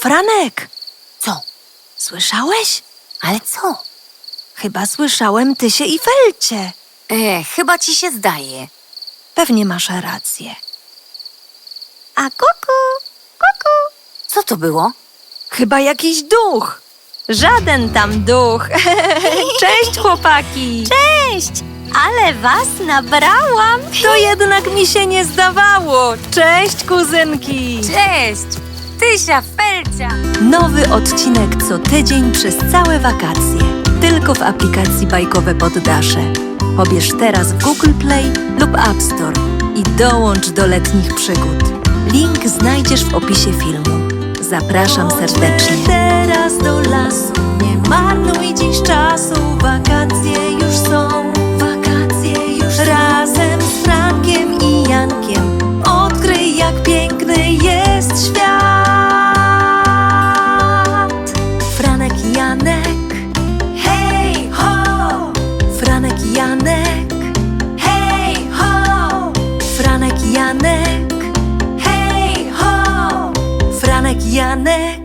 Franek, Co? słyszałeś? Ale co? Chyba słyszałem Tysię i Felcie. Chyba ci się zdaje. Pewnie masz rację. A kuku, kuku. Co to było? Chyba jakiś duch. Żaden tam duch. Cześć, chłopaki. Cześć! Ale was nabrałam! To jednak mi się nie zdawało. Cześć, kuzynki. Cześć! Tysia, Felcia! Nowy odcinek co tydzień przez całe wakacje. Tylko w aplikacji Bajkowe Poddasze. Pobierz teraz w Google Play lub App Store i dołącz do letnich przygód. Link znajdziesz w opisie filmu. Zapraszam serdecznie. Teraz do lasu, nie marnuj dziś czasu. Wakacje już są, wakacje już razem z Frankiem i Jankiem. Odkryj, jak piękny jest świat. Franek i Janek, hej ho! Franek i Janek, hej ho! Franek i Janek, hej ho! Franek i Janek.